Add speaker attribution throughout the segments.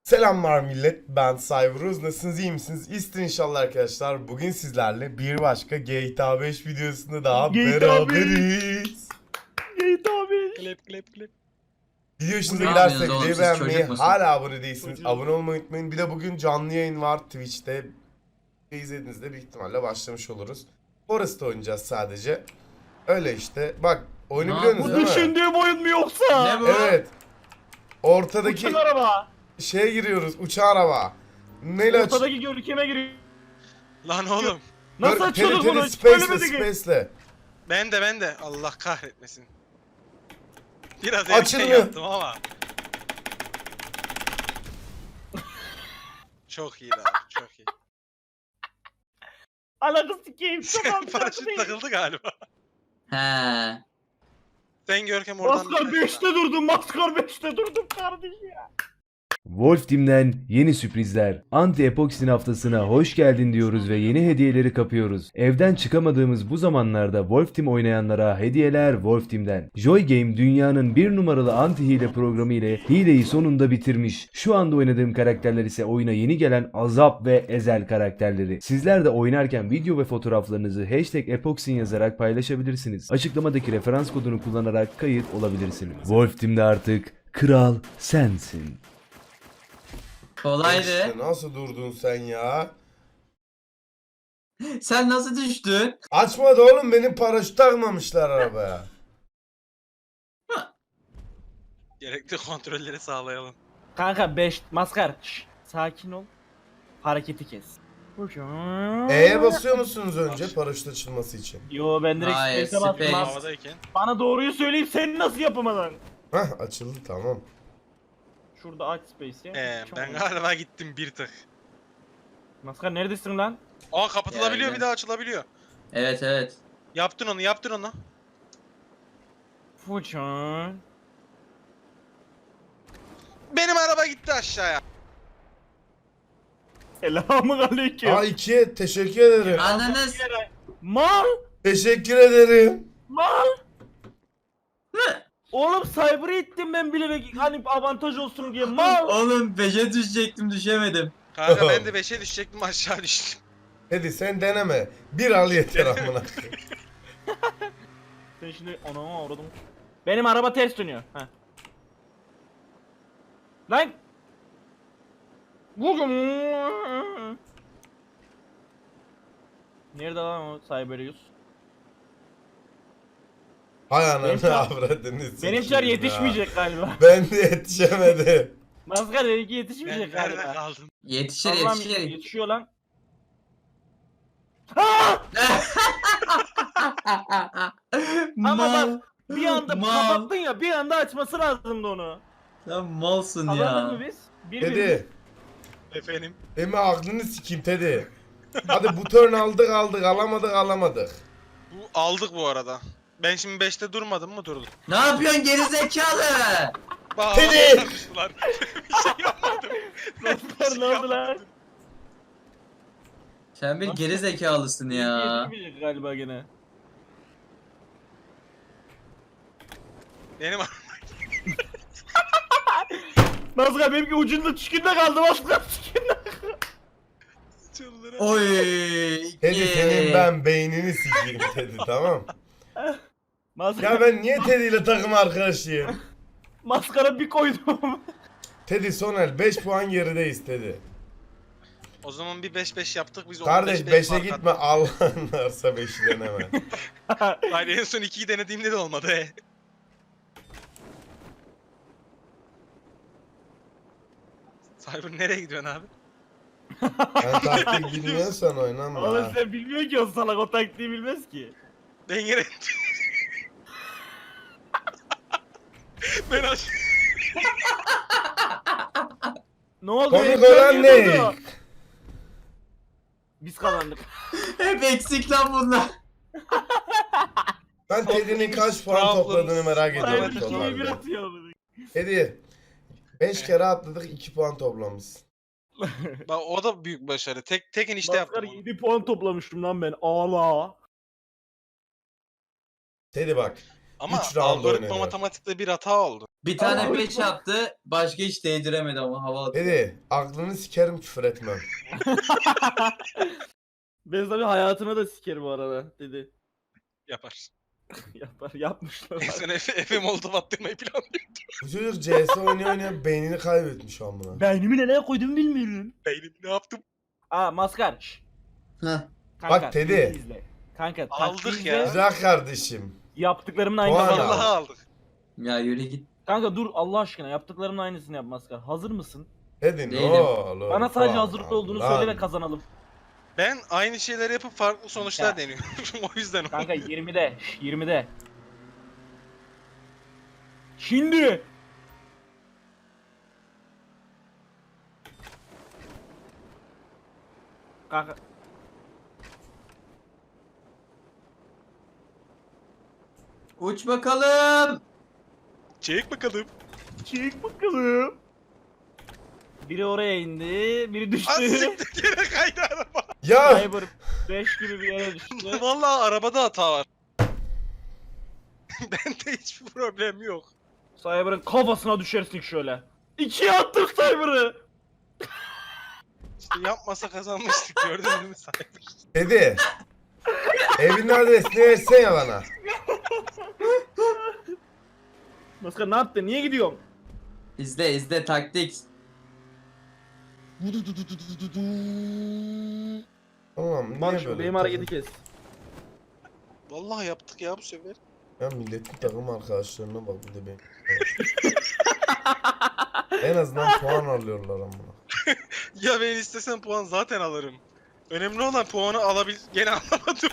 Speaker 1: Selamlar millet, ben Cyberuz. Nasılsınız, iyi misiniz? İyisinizdir inşallah arkadaşlar. Bugün sizlerle bir başka GTA 5 videosunda daha beraberiz.
Speaker 2: GTA 5.
Speaker 3: Klep.
Speaker 1: Video hoşunuza
Speaker 4: Ne
Speaker 1: giderse
Speaker 4: yapıyorsunuz oğlum,
Speaker 1: videoyu
Speaker 4: siz
Speaker 1: beğenmeyi,
Speaker 4: çocuk musunuz?
Speaker 1: hala abone değilsiniz,
Speaker 2: Çocuk.
Speaker 1: abone olmayı unutmayın. Bir de bugün canlı yayın var Twitch'te. İzlediğinizde büyük ihtimalle başlamış oluruz. Forest oynayacağız sadece. Öyle işte. Bak, oyunu
Speaker 4: Ne
Speaker 1: biliyorsunuz
Speaker 2: Bu
Speaker 1: değil mi?
Speaker 2: düşündüğüm oyun mu yoksa?
Speaker 4: Ne bu?
Speaker 1: Evet. Ortadaki
Speaker 2: Uçan araba.
Speaker 1: şeye giriyoruz, uçağı araba. Neyle aç?
Speaker 2: Ortadaki görkeme giriyor.
Speaker 3: Lan oğlum.
Speaker 2: Nasıl
Speaker 1: Dur,
Speaker 2: açıyorduk
Speaker 1: tele-
Speaker 2: bunu?
Speaker 1: tele-
Speaker 2: Hiç
Speaker 1: Space'le,
Speaker 2: söylemedi ki.
Speaker 1: Space'le.
Speaker 3: Ben de. Allah kahretmesin. Biraz
Speaker 1: Açılmıyor.
Speaker 3: erken yaptım ama. Çok iyi abi, çok iyi.
Speaker 2: Alakası sikeyim. Tamam.
Speaker 3: Paraşüt takıldı galiba.
Speaker 4: He.
Speaker 3: Sen Görkem oradan
Speaker 2: Maskar
Speaker 3: bir
Speaker 2: 5'te durdum. Maskar 5'te durdum kardeşim ya.
Speaker 5: Wolf Team'den yeni sürprizler. Anti Epoxy'nin haftasına hoş geldin diyoruz ve yeni hediyeleri kapıyoruz. Evden çıkamadığımız bu zamanlarda Wolf Team oynayanlara hediyeler Wolf Team'den. Joy Game dünyanın bir numaralı anti hile programı ile hileyi sonunda bitirmiş. Şu anda oynadığım karakterler ise oyuna yeni gelen Azap ve Ezel karakterleri. Sizler de oynarken video ve fotoğraflarınızı #epoxin yazarak paylaşabilirsiniz. Açıklamadaki referans kodunu kullanarak kayıt olabilirsiniz. Wolf Team'de artık kral sensin.
Speaker 4: Kolaydı.
Speaker 1: İşte nasıl durdun sen ya?
Speaker 4: Sen nasıl düştün?
Speaker 1: Açmadı oğlum, benim paraşüt takmamışlar arabaya.
Speaker 3: gerekli kontrolleri sağlayalım.
Speaker 2: Kanka 5 maskar. Şşş, sakin ol. Hareketi kes.
Speaker 1: E'ye basıyor musunuz önce paraşüt açılması için?
Speaker 2: Yo ben direkt
Speaker 4: Hayır,
Speaker 2: space'e bastım.
Speaker 4: space.
Speaker 3: Havadayken.
Speaker 2: Bana doğruyu söyleyip sen nasıl yapamadın?
Speaker 1: Hah, açıldı, tamam.
Speaker 2: Şurada aç space'i.
Speaker 3: Ben galiba gittim bir tık.
Speaker 2: Maskar neredesin lan?
Speaker 3: Aa kapatılabiliyor,
Speaker 4: Geldim.
Speaker 3: bir daha açılabiliyor.
Speaker 4: Evet.
Speaker 3: Yaptın onu.
Speaker 2: Fuçan.
Speaker 3: Benim araba gitti aşağıya.
Speaker 2: Selamun aleyküm.
Speaker 1: A2'ye teşekkür ederim.
Speaker 4: Ananız.
Speaker 2: Mal.
Speaker 1: Teşekkür ederim.
Speaker 2: Mal. Oğlum cyber'ı ittim ben bilerek hani avantaj olsun diye mal.
Speaker 4: Oğlum 5'e düşecektim, düşemedim.
Speaker 3: Kanka ben de 5'e düşecektim, aşağı düştüm.
Speaker 1: Hadi sen deneme. Bir al yeter amına.
Speaker 2: Sen şimdi anama uğradım. Benim araba ters dönüyor. Heh. Lan. Bugün. Nerede lan o Cyberius?
Speaker 1: Hay
Speaker 2: Benimkiler-
Speaker 1: ananı avradını sikeyim
Speaker 2: Benimkiler
Speaker 1: ya.
Speaker 2: yetişmeyecek galiba.
Speaker 1: Ben de yetişemedim.
Speaker 2: Maskar benimki
Speaker 3: Ben
Speaker 2: yetişmeyecek
Speaker 3: nerede
Speaker 2: galiba.
Speaker 3: kaldım?
Speaker 4: Yetişir
Speaker 2: Allah'ım
Speaker 4: yetişir.
Speaker 2: yetişiyor lan. Aa! Ama
Speaker 4: Mal.
Speaker 2: Bir anda
Speaker 4: Mal.
Speaker 2: kapattın ya, bir anda açması lazımdı onu.
Speaker 4: Sen malsın
Speaker 2: Kazandık
Speaker 4: ya.
Speaker 2: mı biz?
Speaker 1: Teddy.
Speaker 3: Efendim.
Speaker 1: Deme aklını sikeyim Teddy. Hadi bu turn aldık alamadık.
Speaker 3: Bu aldık bu arada. Ben şimdi 5'te durmadım mı, durdum.
Speaker 4: Ne yapıyorsun geri zekalı?
Speaker 3: Bak,
Speaker 1: Teddy!
Speaker 3: havada çarpıştılar. Bir şey yapmadım.
Speaker 2: Maskar ne oldu lan?
Speaker 4: Sen bir geri zekalısın ya.
Speaker 2: Yetişmeyecek galiba gene.
Speaker 3: Benim
Speaker 2: Maskar benimki ucunda çükünde kaldı, Maskar çükünde.
Speaker 3: çıldıra.
Speaker 4: Oy.
Speaker 1: Teddy senin ben beynini sikeyim Teddy, tamam.
Speaker 2: Maskar,
Speaker 1: Ya ben niye Teddy ile takım arkadaşıyım?
Speaker 2: Maskara bir koydum.
Speaker 1: Teddy Sonel 5 puan gerideyiz Teddy.
Speaker 3: O zaman bir 5-5 yaptık biz.
Speaker 1: Kardeş
Speaker 3: 15-5
Speaker 1: 5'e
Speaker 3: fark
Speaker 1: gitme, Allah'ın varsa 5'i deneme.
Speaker 3: attık. Hayır, en son 2'yi denediğimde de olmadı he. Cyber nereye gidiyorsun abi?
Speaker 1: Ben taktik bilmiyorsan oynama
Speaker 2: Oğlum
Speaker 1: ha.
Speaker 2: sen bilmiyor ki o salak, o taktiği bilmez ki.
Speaker 3: Ben yere... ben aç...
Speaker 2: Ne oldu?
Speaker 1: Komik
Speaker 2: Benim
Speaker 1: olan
Speaker 2: niye
Speaker 1: ne?
Speaker 2: oldu? Biz kazandık.
Speaker 4: Hep eksik lan bunlar.
Speaker 1: Ben Teddy'nin kaç puan
Speaker 3: Problems.
Speaker 1: topladığını merak ediyorum
Speaker 3: Evet,
Speaker 2: Cyber kimi bir
Speaker 1: totalde.
Speaker 2: atıyor bunu.
Speaker 1: Teddy 5 kere atladık, 2 puan toplamışsın.
Speaker 3: Bak o da büyük başarı. Tek enişte
Speaker 2: Maskar
Speaker 3: yaptım onu.
Speaker 2: 7 puan toplamıştım lan ben. Ağla.
Speaker 1: Teddy bak.
Speaker 3: Ama
Speaker 1: 3 round
Speaker 3: algoritma
Speaker 1: oynanıyor.
Speaker 3: matematikte bir hata oldu.
Speaker 4: Bir tane 5 yaptı. Başka hiç değdiremedi ama hava atıyor.
Speaker 1: Teddy aklını sikerim küfür etmem.
Speaker 2: Ben tabii hayatına da sikerim bu arada dedi.
Speaker 3: Yapar.
Speaker 2: Yapar yapmışlar.
Speaker 3: Sen Efe Molotov attırmayı planlıyor.
Speaker 1: Bu çocuk CS oynaya oynaya beynini kaybetmiş amına.
Speaker 2: Beynimi nereye koydum bilmiyorum.
Speaker 3: Beynim ne yaptım?
Speaker 2: Aa maskar. Şşş.
Speaker 4: Heh.
Speaker 2: Kanka,
Speaker 1: Bak Teddy.
Speaker 2: taktiği izle. Kanka
Speaker 3: Aldık
Speaker 2: taktiği
Speaker 3: ya.
Speaker 2: izle.
Speaker 1: Güzel kardeşim.
Speaker 2: Yaptıklarımın
Speaker 1: Puan
Speaker 2: aynısını
Speaker 1: al.
Speaker 2: yap.
Speaker 3: Vallahi aldık.
Speaker 4: Ya yürü git.
Speaker 2: Kanka dur Allah aşkına yaptıklarımın aynısını yap maskar. Hazır mısın?
Speaker 1: Teddy ne
Speaker 4: Değilim.
Speaker 1: oğlum?
Speaker 2: Bana sadece
Speaker 1: Puan
Speaker 2: hazırlıklı
Speaker 1: al
Speaker 2: olduğunu
Speaker 1: lan.
Speaker 2: söyle ve kazanalım.
Speaker 3: Ben aynı şeyleri yapıp farklı sonuçlar
Speaker 2: Ya.
Speaker 3: deniyorum. O yüzden o.
Speaker 2: Kanka 20'de. şş, 20'de. Şimdi. Kanka.
Speaker 4: Uç bakalım.
Speaker 3: Çek bakalım.
Speaker 2: Çek bakalım. Biri oraya indi, biri düştü.
Speaker 3: Az siktir yere kaydı araba.
Speaker 1: Ya
Speaker 2: Cyber 5 gibi bir yere düştü.
Speaker 3: Vallahi arabada hata var. Bende hiçbir problem yok.
Speaker 2: Cyber'ın kafasına düşersin şöyle. İkiye attım Cyber'ı.
Speaker 3: İşte yapmasa kazanmıştık gördün mü Cyber?
Speaker 1: Teddy. Evin adresini versene bana.
Speaker 2: Maskar ne yaptın? Niye gidiyorsun?
Speaker 4: İzle izle taktik.
Speaker 1: Tamam niye
Speaker 2: Bak
Speaker 1: böyle?
Speaker 2: şimdi benim hareketi kes.
Speaker 3: Vallahi yaptık ya bu sefer.
Speaker 1: Ya milletin takım arkadaşlarına bak bir de benim. En azından puan alıyorlar amına.
Speaker 3: Ya ben istesem puan zaten alırım. Önemli olan puanı gene alamadım.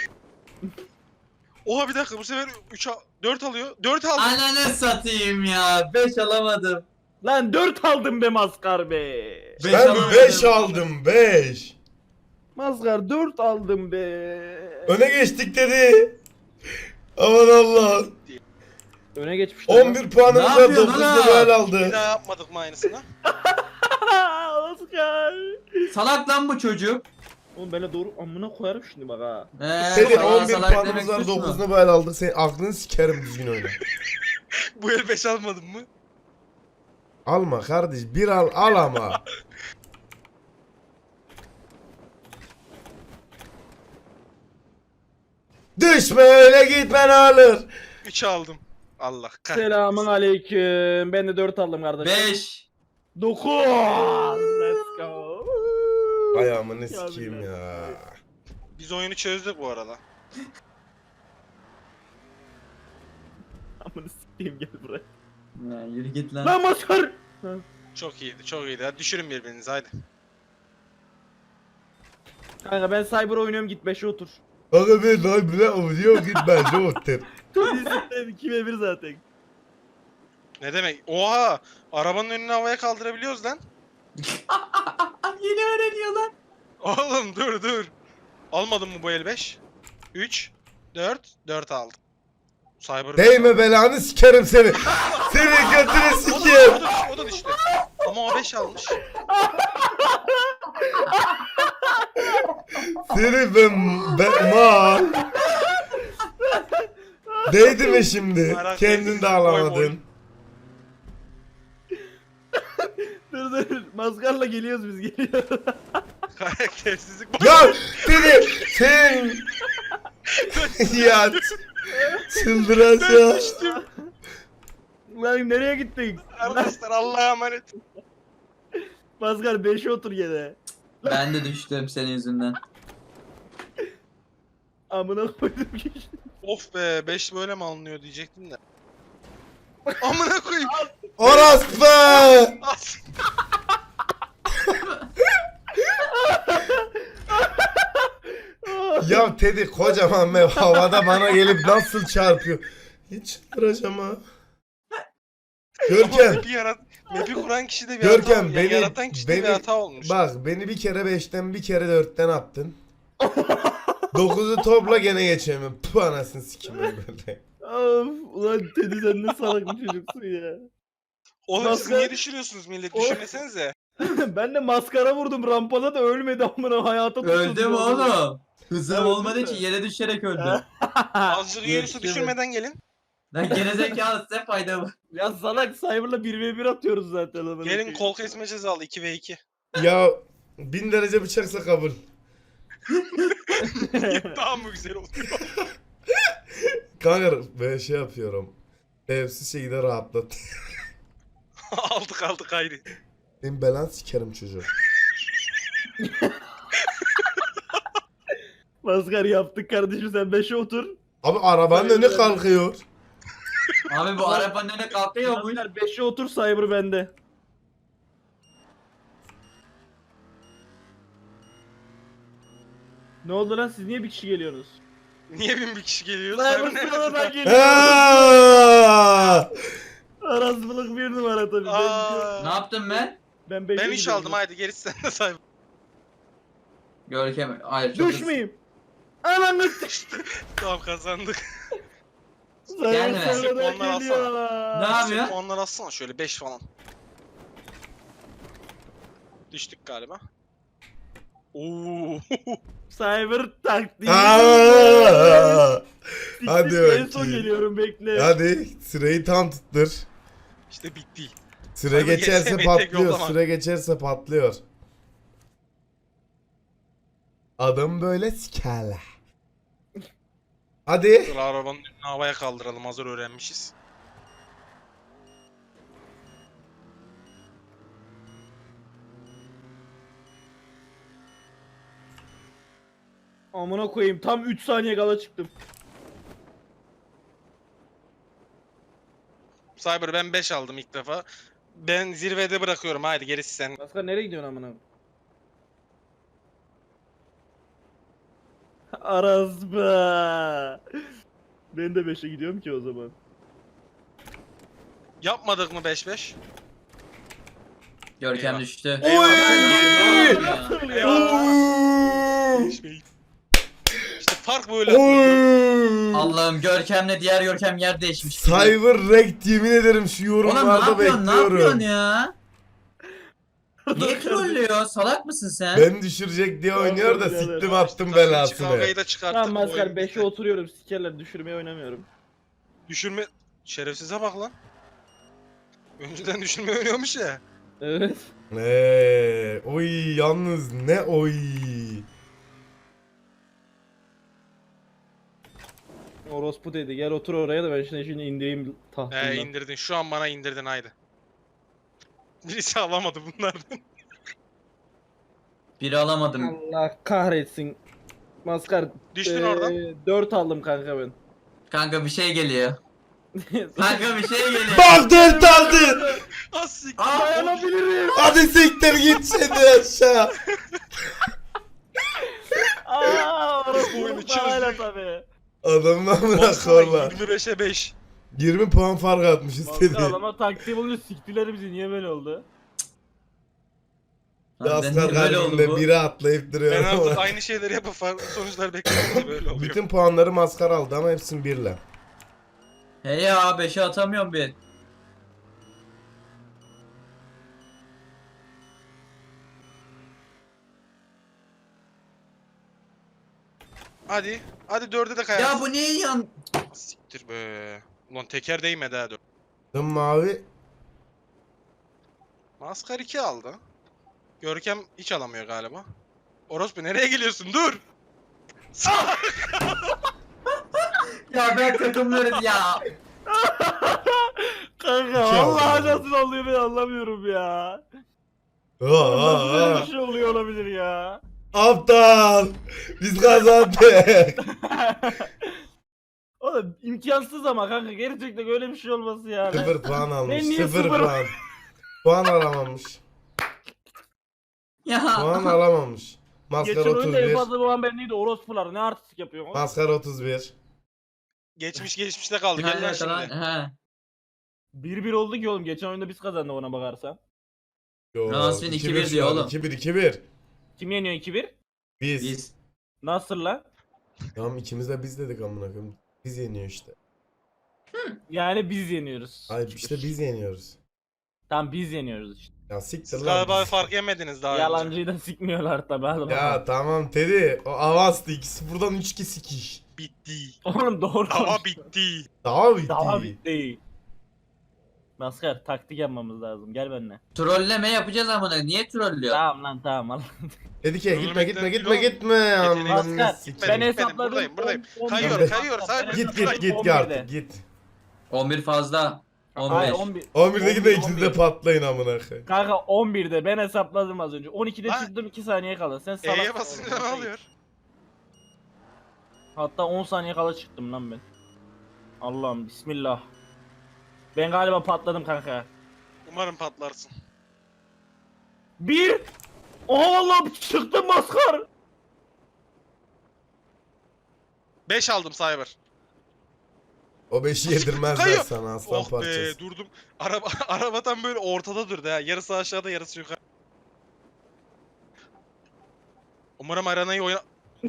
Speaker 3: Oha bir dakika bu sefer 4 alıyor. 4 aldı.
Speaker 4: Ananı satayım ya. 5 alamadım.
Speaker 2: Lan 4 aldım be Maskar be.
Speaker 4: Beş
Speaker 1: Ben
Speaker 4: alamadım.
Speaker 1: 5 aldım 5.
Speaker 2: Maskar 4 aldım be.
Speaker 1: Öne geçtik dedi. Aman Allah.
Speaker 2: Öne geçmişler.
Speaker 1: 11 puanımız
Speaker 4: Ne
Speaker 1: var
Speaker 4: yapıyorsun
Speaker 1: 9
Speaker 4: lan?
Speaker 1: level
Speaker 3: Bir
Speaker 1: aldı.
Speaker 3: daha yapmadık mı aynısını?
Speaker 2: Maskar.
Speaker 4: Salak lan bu çocuk.
Speaker 2: Oğlum bana doğru amına koyarım şimdi bak ha.
Speaker 1: Dedi
Speaker 4: salak
Speaker 1: 11
Speaker 4: salak
Speaker 1: puanımız
Speaker 4: demek
Speaker 1: var
Speaker 4: suç mu?
Speaker 1: 9 level aldık. Senin aklını sikerim düzgün oyna.
Speaker 3: Bu el 5 almadın mı?
Speaker 1: Alma kardeş bir al ama. Düşme öyle gitmen alır.
Speaker 3: 3 aldım. Allah kahretsin.
Speaker 2: Selamun aleyküm. Ben de 4 aldım kardeşim.
Speaker 4: 5.
Speaker 2: 9. Let's go.
Speaker 1: Ayağımı ne
Speaker 2: Ya
Speaker 1: sikeyim
Speaker 2: billah.
Speaker 1: ya.
Speaker 3: Biz oyunu çözdük bu arada.
Speaker 2: Amına sikeyim gel buraya.
Speaker 4: Ya yürü git lan.
Speaker 2: Lan Maskar.
Speaker 3: Çok iyiydi çok iyiydi. Hadi düşürün birbirinizi haydi.
Speaker 2: Kanka ben Cyber oynuyorum git 5'e otur.
Speaker 1: Aga ben daha bile oynuyor git bence otur.
Speaker 2: Biz 2v1 zaten.
Speaker 3: Ne demek? Oha! Arabanın önünü havaya kaldırabiliyoruz lan.
Speaker 4: Yeni öğreniyor lan.
Speaker 3: Oğlum dur. Almadın mı bu el 5? 3, 4 aldım. Cyber'ı
Speaker 1: Değme belanı sikerim seni. Seni götünü sikeyim.
Speaker 3: O da düştü. Ama o 5 almış.
Speaker 1: Seni ma. Değdi mi şimdi? Kendin de alamadın.
Speaker 2: Dur. Maskarla geliyoruz biz geliyoruz.
Speaker 3: Karaktersizlik.
Speaker 1: Ya sen ya çıldıracağım.
Speaker 3: düştüm.
Speaker 2: Lan nereye gittik?
Speaker 3: Arkadaşlar Allah'a emanet.
Speaker 2: Maskar 5'e otur gene.
Speaker 4: Ben de düştüm senin yüzünden.
Speaker 2: Amına koydum geçti.
Speaker 3: Of be 5 böyle mi alınıyor diyecektim de. Amına koyayım.
Speaker 1: Orospu.
Speaker 3: As.
Speaker 1: Ya Teddy kocaman mev havada bana gelip nasıl çarpıyor. Hiç çıldıracağım ha. Görkem.
Speaker 3: Map'i kuran kişi de bir
Speaker 1: Görkem,
Speaker 3: hata,
Speaker 1: beni-
Speaker 3: yaratan kişi de bir
Speaker 1: beni-
Speaker 3: hata olmuş.
Speaker 1: Bak beni bir kere 5'ten bir kere 4'ten attın. 9'u topla gene geçemiyorum. Puh anasını sikim böyle.
Speaker 2: Of ulan Teddy sen ne salak bir çocuksun ya.
Speaker 3: Oğlum siz
Speaker 2: Maskar-
Speaker 3: niye düşürüyorsunuz millet? Düşünmesenize.
Speaker 2: Ben de maskara vurdum rampada da ölmedi amına hayata tutundu.
Speaker 4: Öldü mü oğlum? Hızım
Speaker 2: Evet,
Speaker 4: olmadığı
Speaker 2: değil
Speaker 4: için
Speaker 2: mi?
Speaker 4: yere düşerek öldü.
Speaker 3: Azıcık yiyorsa
Speaker 4: Yetişemedi.
Speaker 3: düşürmeden gelin.
Speaker 4: Lan gerizekalı size fayda mı?
Speaker 2: Ya salak Cyber'la 1v1 atıyoruz zaten. amına
Speaker 3: Gelin
Speaker 2: koyayım.
Speaker 3: kol kesme cezalı 2v2.
Speaker 1: Ya 1000 derece bıçaksa kabul.
Speaker 3: Daha mı güzel oldu?
Speaker 1: Kanka böyle şey yapıyorum. Evsiz şekilde rahatlat.
Speaker 3: aldık haydi.
Speaker 1: Benim belan sikerim çocuğu.
Speaker 2: Maskar yaptık kardeşim, sen 5'e otur.
Speaker 1: Abi arabanın önü kalkıyor.
Speaker 4: Abi bu arabanın önüne kalkıyor mu?
Speaker 2: Maskar 5'e otur, Cyber bende. Ne oldu lan, siz niye bir kişi geliyorsunuz?
Speaker 3: Niye 1000 kişi geliyor?
Speaker 2: Cyber
Speaker 3: Cyber nerede?
Speaker 2: sıradan geliyor.
Speaker 1: Aaaa!
Speaker 2: Arasılık bir numara tabii.
Speaker 3: Aa,
Speaker 4: Ne yaptım ben?
Speaker 2: Ben 5'e
Speaker 3: ben 3 aldım haydi gerisi sende Cyber.
Speaker 4: Görkem. Hayır çok
Speaker 2: Düşmeyeyim. Ananı
Speaker 3: Tamam kazandık.
Speaker 4: Gelme.
Speaker 2: Cyber sıradan
Speaker 3: Onlar
Speaker 2: geliyor.
Speaker 4: Ne yapıyor?
Speaker 3: Puanlar atsana şöyle 5 falan. Düştük galiba. Oo.
Speaker 2: Cyber taktiği.
Speaker 1: Aaaa! Hadi
Speaker 2: En son
Speaker 1: bakayım.
Speaker 2: geliyorum, bekle.
Speaker 1: Hadi sırayı tam tuttur.
Speaker 3: İşte bitti.
Speaker 1: Süre
Speaker 3: Abi
Speaker 1: geçerse
Speaker 3: geçsem tek
Speaker 1: patlıyor.
Speaker 3: yollama.
Speaker 1: Süre geçerse patlıyor. Adım böyle sikerler. Hadi.
Speaker 3: Dur arabanın önünü havaya kaldıralım hazır öğrenmişiz.
Speaker 2: Amına koyayım, tam 3 saniye kala çıktım.
Speaker 3: Cyber ben 5 aldım ilk defa. Ben zirvede bırakıyorum haydi gerisi sen.
Speaker 2: Maskar nereye gidiyorsun amına? Arazba. Ben de 5'e gidiyorum ki o zaman.
Speaker 3: Yapmadık mı 5-5?
Speaker 4: Görkem
Speaker 3: Eyvah.
Speaker 4: düştü.
Speaker 1: Oy!
Speaker 2: Nasıl ya?
Speaker 1: Oy!
Speaker 3: İşte fark böyle.
Speaker 1: Oy!
Speaker 4: Allah'ım Görkem'le diğer Görkem yer değişmiş.
Speaker 1: Cyber Rekt yemin ederim şu
Speaker 4: Oğlum ne
Speaker 1: yorumlarda
Speaker 4: yapıyorsun? Ne yapıyorsun
Speaker 1: bekliyorum.
Speaker 4: ya? Niye trollüyor? Salak mısın sen?
Speaker 1: Ben düşürecek diye oynuyor da
Speaker 2: Tamam,
Speaker 1: siktim
Speaker 2: birader.
Speaker 1: attım
Speaker 3: Kavgayı
Speaker 1: belasını.
Speaker 3: da çıkarttık.
Speaker 2: Tamam Maskar,
Speaker 3: oyun
Speaker 2: 5'e
Speaker 3: bitti.
Speaker 2: oturuyorum, sikerler, düşürmeye oynamıyorum.
Speaker 3: Düşürme... Şerefsize bak lan. Önceden düşürme oynuyormuş ya.
Speaker 2: Evet.
Speaker 1: Oy yalnız ne oy.
Speaker 2: Orospu dedi, gel otur oraya da ben şimdi indireyim tahtından.
Speaker 3: İndirdin. Şu an bana indirdin haydi. Birisi alamadı bunlardan.
Speaker 4: Biri alamadım.
Speaker 2: Allah kahretsin. Maskar.
Speaker 3: Düştün oradan.
Speaker 2: 4 aldım kanka ben.
Speaker 4: Kanka bir şey geliyor. Kanka bir şey geliyor.
Speaker 1: Baktın tadı.
Speaker 3: Asik.
Speaker 2: Dayanabilirim.
Speaker 1: Hadi siktir git şimdi aşağı.
Speaker 2: Aaa orospu
Speaker 3: Oyunu
Speaker 2: parayla
Speaker 3: çözdük.
Speaker 2: tabii.
Speaker 1: Adamdan bırak
Speaker 3: Baksana
Speaker 1: orla.
Speaker 3: 25'e 5.
Speaker 1: 20 puan fark atmış
Speaker 2: Maskar
Speaker 1: istedi.
Speaker 2: adama taktiği bulunca siktiler bizi, niye böyle oldu?
Speaker 4: Lan ben
Speaker 1: Asgar
Speaker 4: niye böyle oldu
Speaker 1: kalbimde
Speaker 4: bu?
Speaker 1: biri atlayıp duruyor
Speaker 3: Ben artık
Speaker 1: ama.
Speaker 3: aynı şeyleri yapıp farklı sonuçlar bekliyorum böyle oluyor.
Speaker 1: Bütün puanları maskar aldı ama hepsini birle.
Speaker 4: He ya 5'e atamıyorum bir.
Speaker 3: Hadi. Hadi 4'e de kayarsın.
Speaker 4: Ya bu niye yan?
Speaker 3: Siktir be. Ulan teker değmedi ha 4.
Speaker 1: Dın mavi.
Speaker 3: Maskar 2 aldı. Görkem hiç alamıyor galiba. Orospu nereye geliyorsun? Dur!
Speaker 4: Ya ben takımları ya.
Speaker 2: Kanka
Speaker 1: İki aldım
Speaker 2: vallahi
Speaker 1: ben.
Speaker 2: nasıl oluyor ben anlamıyorum ya.
Speaker 1: Aa,
Speaker 2: Nasıl böyle
Speaker 1: aa.
Speaker 2: bir şey oluyor olabilir ya.
Speaker 1: Aptal. Biz kazandık.
Speaker 2: Oğlum imkansız ama kanka, gerçekten öyle bir şey olması ya.
Speaker 1: 0 puan almış.
Speaker 2: Ben niye
Speaker 1: 0
Speaker 2: sıfır-
Speaker 1: puan. Puan alamamış.
Speaker 4: Ya.
Speaker 1: Puan alamamış. Maskar
Speaker 2: Geçen oyunda en
Speaker 1: 31.
Speaker 2: fazla bulan ben neydi, orospular ne artistik yapıyor.
Speaker 1: Maskar 31.
Speaker 3: Geçmişte kaldı. Gel lan
Speaker 4: Aynen,
Speaker 3: şimdi.
Speaker 4: he.
Speaker 2: 1-1 oldu ki oğlum, geçen oyunda biz kazandık ona bakarsan.
Speaker 1: Yo,
Speaker 4: Rasmin 2-1
Speaker 1: şu
Speaker 4: diyor
Speaker 1: an,
Speaker 4: oğlum.
Speaker 1: 2-1.
Speaker 2: Kim yeniyor 2-1?
Speaker 1: Biz.
Speaker 4: Biz.
Speaker 2: Nasıl lan?
Speaker 1: Tamam ikimiz de biz dedik amına koyayım. Biz yeniyor işte.
Speaker 2: Yani biz yeniyoruz.
Speaker 1: Hayır işte biz yeniyoruz.
Speaker 2: Tamam biz yeniyoruz işte.
Speaker 1: Ya siktir
Speaker 3: Siz
Speaker 1: lan.
Speaker 3: galiba fark yemediniz daha önce.
Speaker 2: Yalancıyı da sikmiyorlar tabi.
Speaker 1: Ya tamam Teddy. O avanstı. 2-0'dan 3-2 sikiş.
Speaker 3: Bitti.
Speaker 2: Oğlum doğru
Speaker 3: Dava
Speaker 2: konuş.
Speaker 3: bitti.
Speaker 1: Daha bitti.
Speaker 2: Daha bitti. Maskar taktik yapmamız lazım. Gel benimle.
Speaker 4: Trolleme yapacağız amına. Niye trollüyor?
Speaker 2: Tamam lan tamam al.
Speaker 1: Dedik ya gitme gitme
Speaker 3: Ölmekten
Speaker 1: gitme
Speaker 3: kilo-
Speaker 1: gitme.
Speaker 3: Yeteneği-
Speaker 1: Aman
Speaker 2: Maskar
Speaker 1: sikeyim.
Speaker 2: ben
Speaker 3: Gitmedim,
Speaker 2: hesapladım.
Speaker 3: buradayım.
Speaker 2: 11'de.
Speaker 3: Kayıyor, Cyber.
Speaker 1: Git
Speaker 3: Cyber.
Speaker 1: git git
Speaker 2: 11'de.
Speaker 1: artık git.
Speaker 4: 11 fazla.
Speaker 2: Hayır
Speaker 4: 15.
Speaker 2: 11.
Speaker 1: 11'de gidin
Speaker 2: 11'de.
Speaker 1: ikiniz de patlayın amına koyayım.
Speaker 2: Kanka 11'de ben hesapladım az önce. 12'de
Speaker 3: Lan.
Speaker 2: çıktım 2 saniye kala. Sen salak.
Speaker 3: E'ye basınca ne oluyor?
Speaker 2: Hatta 10 saniye kala çıktım lan ben. Allah'ım bismillah. Ben galiba patladım kanka.
Speaker 3: Umarım patlarsın.
Speaker 2: 1. Oha Allah'ım çıktım Maskar.
Speaker 3: 5 aldım Cyber.
Speaker 1: O 5'i yedirmezler
Speaker 3: Kayıyor.
Speaker 1: sana aslan
Speaker 3: Oh
Speaker 1: parçası.
Speaker 3: be durdum. Araba tam böyle ortada durdu ha. Yarısı aşağıda yarısı yukarı. Umarım arenayı oyna...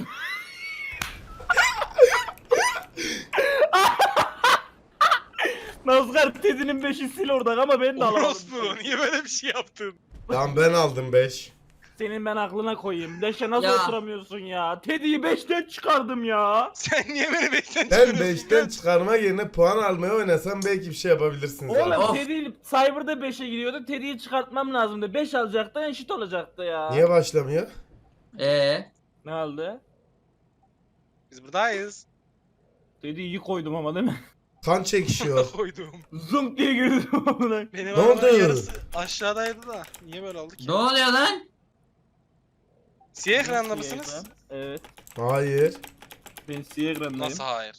Speaker 2: Maskar tezinin 5'i sil orada ama ben de alamadım.
Speaker 3: Orospu niye böyle bir şey yaptın?
Speaker 1: Tamam ben aldım 5.
Speaker 2: Senin ben aklına koyayım. 5'e nasıl
Speaker 4: Ya.
Speaker 2: oturamıyorsun ya? Teddy'yi 5'ten çıkardım ya.
Speaker 3: Sen niye beni 5'ten
Speaker 1: Ben
Speaker 3: çıkarıyorsun?
Speaker 1: 5'ten çıkarma yerine puan almaya oynasam belki bir şey yapabilirsiniz.
Speaker 2: Oğlum
Speaker 1: abi.
Speaker 4: Of.
Speaker 2: Teddy Cyber'da 5'e gidiyordu. Teddy'yi çıkartmam lazımdı. 5 alacaktı eşit olacaktı ya.
Speaker 1: Niye başlamıyor?
Speaker 2: Ne oldu?
Speaker 3: Biz buradayız.
Speaker 2: Teddy'yi iyi koydum ama değil mi?
Speaker 1: Kan çekişiyor.
Speaker 3: Koydum.
Speaker 2: Zunk diye girdim amına.
Speaker 3: Benim
Speaker 1: Ne
Speaker 3: arabanın
Speaker 1: oldu?
Speaker 3: yarısı aşağıdaydı da. Niye böyle oldu ki?
Speaker 4: Ne oluyor lan?
Speaker 3: Siyah ekranda
Speaker 2: Siyah
Speaker 3: mısınız?
Speaker 2: ekran. Evet.
Speaker 1: Hayır.
Speaker 2: Ben siyah ekrandayım.
Speaker 3: Nasıl hayır?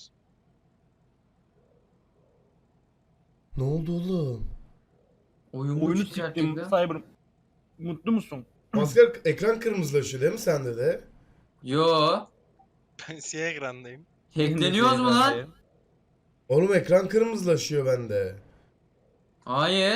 Speaker 1: Ne oldu oğlum?
Speaker 4: Oyun
Speaker 2: Oyunu
Speaker 4: çıkacak
Speaker 2: siktim
Speaker 4: gibi.
Speaker 2: Cyber. Mutlu musun?
Speaker 1: Maskar ekran kırmızılaşıyor değil mi sende de?
Speaker 4: Yo.
Speaker 3: Ben siyah ekrandayım.
Speaker 4: Hackleniyoruz mu lan?
Speaker 1: Oğlum ekran kırmızılaşıyor bende.
Speaker 4: Hayır.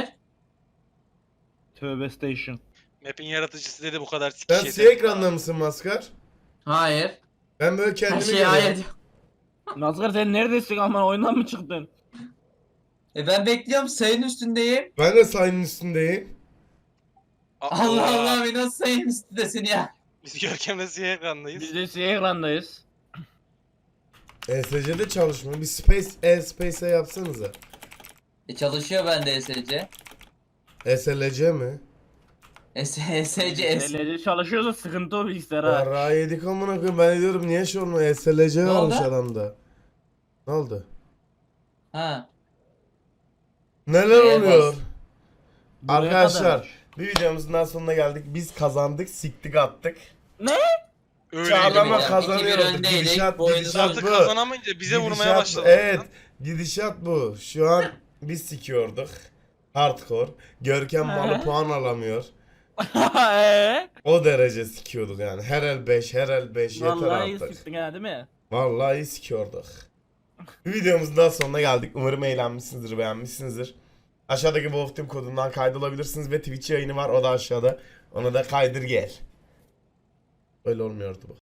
Speaker 2: Tövbe station.
Speaker 3: Map'in yaratıcısı dedi bu kadar sikiş
Speaker 1: Sen
Speaker 3: yeter.
Speaker 1: siyah ekranda mısın Maskar?
Speaker 4: Hayır.
Speaker 1: Ben böyle
Speaker 4: Her
Speaker 1: kendimi
Speaker 4: şey
Speaker 1: görüyorum.
Speaker 4: hayır.
Speaker 2: Nazgar sen neredesin aman oyundan mı çıktın?
Speaker 4: Ben bekliyorum sayının üstündeyim.
Speaker 1: Ben de sayının üstündeyim.
Speaker 4: Allah Allah bir nasıl sayının üstündesin ya?
Speaker 3: Biz Görkem'le siyah ekrandayız.
Speaker 2: Biz de siyah ekrandayız.
Speaker 1: ESC'de çalışmıyor. Bir space'e yapsanıza.
Speaker 4: Çalışıyor bende ESC.
Speaker 1: SLC mi?
Speaker 4: ESC.
Speaker 2: LC çalışıyorsa sıkıntı o bilgisayar ha.
Speaker 1: Ara yedik amına koyayım. Ben diyorum niye şey olmuyor? SLC
Speaker 4: Ne
Speaker 1: varmış
Speaker 4: oldu?
Speaker 1: adamda. Ne oldu?
Speaker 4: Ha.
Speaker 1: Neler
Speaker 4: Neye
Speaker 1: oluyor?
Speaker 4: bas?
Speaker 2: Buraya
Speaker 1: Arkadaşlar
Speaker 2: kadarmış.
Speaker 1: bir videomuzun daha sonuna geldik. Biz kazandık, siktik attık.
Speaker 3: Öyle
Speaker 1: Çağlama
Speaker 3: gibi.
Speaker 4: ya.
Speaker 1: kazanıyoruz.
Speaker 4: 2-1 öndeydik.
Speaker 1: Gidişat,
Speaker 4: Bu oyunu
Speaker 1: gidişat
Speaker 3: Artık
Speaker 1: bu.
Speaker 3: kazanamayınca bize vurmaya
Speaker 1: Gidişat-
Speaker 3: başladı.
Speaker 1: Evet. Gidişat bu. Şu an biz sikiyorduk. Hardcore. Görkem malı puan alamıyor. O derece sikiyorduk yani. Her el 5, her el 5 yeter
Speaker 2: Vallahi iyi
Speaker 1: artık.
Speaker 2: sıktın ha değil mi?
Speaker 1: Vallahi iyi sikiyorduk. Bir videomuzun daha sonuna geldik. Umarım eğlenmişsinizdir, beğenmişsinizdir. Aşağıdaki Wolf Team kodundan kaydolabilirsiniz ve Twitch yayını var. O da aşağıda. Ona da kaydır gel. Öyle olmuyordu bu.